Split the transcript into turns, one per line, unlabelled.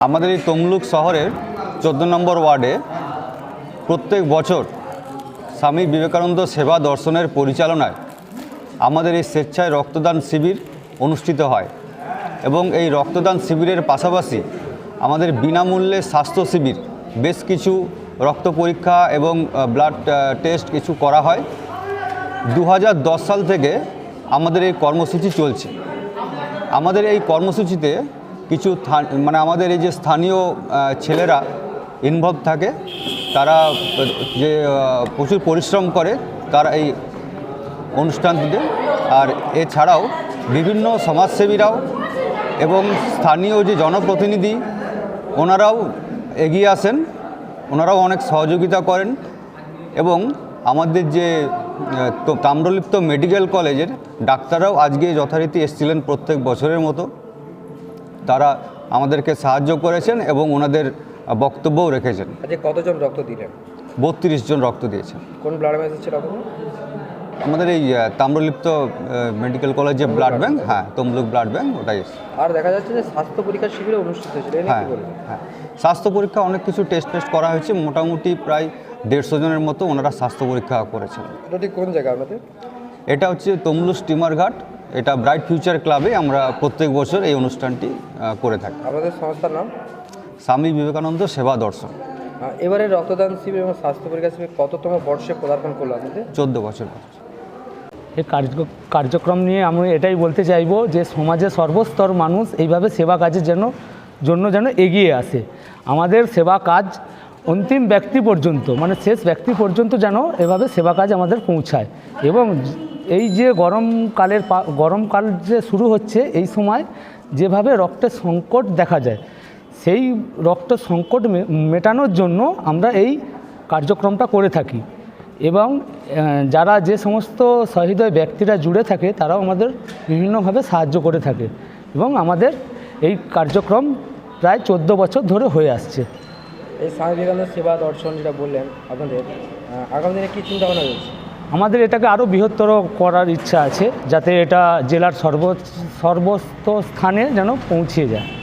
আমাদের এই তমলুক শহরের 14 নম্বর ওয়ার্ডে প্রত্যেক বছর স্বামী বিবেকানন্দ সেবা দর্শনের পরিচালনায় আমাদের এই স্বেচ্ছায় রক্তদান শিবির অনুষ্ঠিত হয় এবং এই রক্তদান শিবিরের পাশাপাশি আমাদের বিনামূল্যে স্বাস্থ্য শিবির বেশ কিছু রক্ত পরীক্ষা এবং ব্লাড টেস্ট কিছু করা হয়। 2010 সাল থেকে আমাদের এই কর্মসূচি চলছে। আমাদের এই কর্মসূচিতে কিছু আমাদের এই যে স্থানীয় ছেলেরা ইনভলভ থাকে, তারা যে প্রচুর পরিশ্রম করে তারা এই অনুষ্ঠানটিতে। আর এছাড়াও বিভিন্ন সমাজসেবীরাও এবং স্থানীয় যে জনপ্রতিনিধি ওনারাও এগিয়ে আসেন, ওনারাও অনেক সহযোগিতা করেন এবং আমাদের যে তাম্রলিপ্ত মেডিকেল কলেজের ডাক্তাররাও আজকে যথারীতি এসেছিলেন প্রত্যেক বছরের মতো। তারা আমাদেরকে সাহায্য করেছেন এবং ওনাদের বক্তব্যও রেখেছেন।
আজকে কতজন রক্ত দিলেন?
32 জন রক্ত দিয়েছেন।
কোন ব্লাড ব্যাংক ছিল রক্ত?
আমাদের এই তাম্রলিপ্ত মেডিকেল কলেজে ব্লাড ব্যাংক, হ্যাঁ, তমলুক ব্লাড ব্যাংক, ওটাই।
আর দেখা যাচ্ছে যে স্বাস্থ্য পরীক্ষা শিবিরে অনুষ্ঠিত হয়েছিল।
হ্যাঁ, স্বাস্থ্য পরীক্ষা অনেক কিছু টেস্ট করা হয়েছে। মোটামুটি প্রায় 150 জনের মতো ওনারা স্বাস্থ্য পরীক্ষা করেছেন।
এটা ঠিক কোন জায়গা আপনাদের?
এটা হচ্ছে তমলুক স্টিমার ঘাট। এটা ব্রাইট ফিউচার ক্লাবে আমরা প্রত্যেক বছর এই অনুষ্ঠানটি করে থাকি।
আমাদের সংস্থার নাম
স্বামী বিবেকানন্দ সেবা দর্শন।
এবারে রক্তদান শিবির এবং স্বাস্থ্য পরীক্ষা শিবির কততম বর্ষে পদার্পণ করলো আপনাদের?
14 বছর।
এই কার্যক্রম নিয়ে আমি এটাই বলতে চাইব যে সমাজের সর্বস্তর মানুষ এইভাবে সেবা কাজের জন্য যেন এগিয়ে আসে। আমাদের সেবা কাজ অন্তিম ব্যক্তি পর্যন্ত, মানে শেষ ব্যক্তি পর্যন্ত যেন এভাবে সেবা কাজ আমাদের পৌঁছায়। এবং এই যে গরমকাল যে শুরু হচ্ছে, এই সময় যেভাবে রক্তের সংকট দেখা যায়, সেই রক্ত সংকট মেটানোর জন্য আমরা এই কার্যক্রমটা করে থাকি। এবং যারা যে সমস্ত সহৃদয় ব্যক্তিরা জুড়ে থাকে তারাও আমাদের বিভিন্নভাবে সাহায্য করে থাকে এবং আমাদের এই কার্যক্রম প্রায় 14 বছর ধরে হয়ে আসছে।
এই স্বামী বিবেকানন্দ সেবা দর্শন যেটা বললেন, আপনাদের আগামী দিনে কী চিন্তাভাবনা রয়েছে?
আমাদের এটাকে আরও বৃহত্তর করার ইচ্ছা আছে, যাতে এটা জেলার সর্বস্ত স্থানে যেন পৌঁছে যায়।